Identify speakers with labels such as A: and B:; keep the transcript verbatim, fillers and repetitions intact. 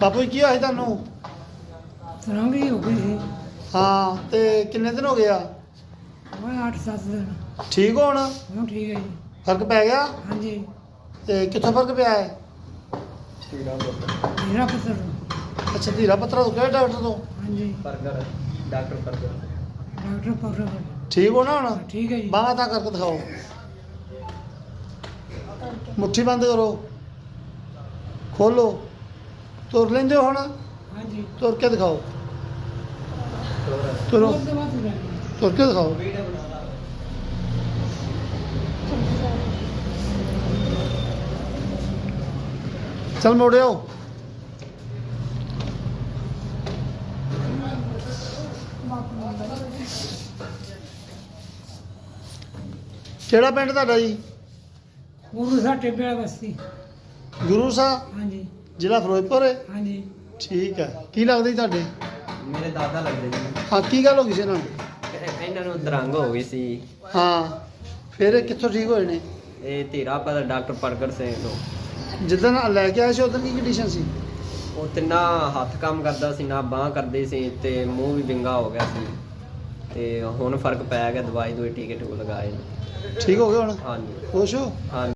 A: ਬਾਪੂ ਜੀ ਕੀ ਹੋਇਆ ਸੀ ਤੁਹਾਨੂੰ?
B: ਸਰੰਗੀ ਹੋ ਗਈ ਸੀ।
A: ਹਾਂ ਤੇ ਕਿੰਨੇ ਦਿਨ ਹੋ ਗਏ ਆ?
B: ਮੈਂ ਅੱਠ ਸੱਤ ਦਿਨ।
A: ਠੀਕ ਹੋ ਹੁਣ?
B: ਹੁਣ ਠੀਕ ਹੈ ਜੀ।
A: ਫਰਕ ਪੈ ਗਿਆ?
B: ਹਾਂਜੀ।
A: ਤੇ ਕਿੱਥੋਂ ਫਰਕ ਪਿਆ ਹੈ?
B: ਮੇਰਾ ਪੁੱਤਰ।
A: ਅੱਛਾ ਧੀਰਾ ਪੱਤਰਾ ਤੋਂ ਕਿਹੜੇ ਡਾਕਟਰ ਤੋਂ?
B: ਹਾਂਜੀ।
C: ਬਰਗਰ ਡਾਕਟਰ ਬਰਗਰ
B: ਡਾਕਟਰ ਪਕੜ।
A: ਠੀਕ ਹੋ ਨਾ ਹੁਣ?
B: ਠੀਕ ਹੈ ਜੀ।
A: ਬਾਹਾਂ ਤਾਂ ਕਰਕੇ ਦਿਖਾਓ। ਮੁੱਠੀ ਬੰਦ ਕਰੋ, ਖੋਲੋ। ਤੁਰ ਲੈਂਦੇ ਹੋ ਹੁਣ?
B: ਹਾਂਜੀ।
A: ਤੁਰ ਕੇ ਦਿਖਾਓ। ਤੁਰੋ,
B: ਉਸ ਤੋਂ ਬਾਅਦ ਤੁਰਿਆ ਜੀ।
A: ਤੁਰ ਕੇ ਦਿਖਾਓ। ਚੱਲ ਮੋੜਿਓ। ਕਿਹੜਾ ਪਿੰਡ ਤੁਹਾਡਾ ਜੀ?
B: ਗੁਰੂ ਸਾਹਿਬ ਟਿੱਬੇ ਵਾਲਾ ਬਸਤੀ।
A: ਗੁਰੂ ਸਾਹਿਬ,
B: ਹਾਂਜੀ।
A: ਜ਼ਿਲ੍ਹਾ ਫਿਰੋਜ਼ਪੁਰ ਹੈ?
B: ਹਾਂਜੀ।
A: ਠੀਕ ਹੈ। ਕੀ ਲੱਗਦਾ ਜੀ ਤੁਹਾਡੇ?
C: ਮੇਰੇ ਦਾਦਾ ਲੱਗਦੇ ਜੀ।
A: ਹਾਂ ਕੀ ਗੱਲ ਹੋ ਗਈ ਸੀ ਇਹਨਾਂ ਨੂੰ?
C: ਇਹ- ਇਹਨਾਂ ਨੂੰ ਦਰੰਗ ਹੋ ਗਈ ਸੀ।
A: ਹਾਂ ਫਿਰ ਇਹ ਕਿੱਥੋਂ ਠੀਕ ਹੋਏ ਨੇ?
C: ਇਹ ਧੀਰਾ ਪਰ ਡਾਕਟਰ ਪ੍ਰਗਟ ਸਿੰਘ ਤੋਂ।
A: ਜਿੱਦਣ ਲੈ ਕੇ ਆਏ ਸੀ ਉਦੋਂ ਕੀ ਕੰਡੀਸ਼ਨ ਸੀ?
C: ਉਹ ਤੇ ਨਾ ਹੱਥ ਕੰਮ ਕਰਦਾ ਸੀ ਨਾ ਬਾਂਹ ਕਰਦੇ ਸੀ ਤੇ ਮੂੰਹ ਵੀ ਵਿੰਗਾ ਹੋ ਗਿਆ ਸੀ ਤੇ ਹੁਣ ਫਰਕ ਪੈ ਗਿਆ। ਦਵਾਈ ਦੋਈ ਟੀਕੇ ਟੂਕੇ ਲਗਾਏ ਨੇ।
A: ਠੀਕ ਹੋ ਗਏ ਹੁਣ?
C: ਹਾਂਜੀ
A: ਖੁਸ਼ ਹੋ?
C: ਹਾਂਜੀ।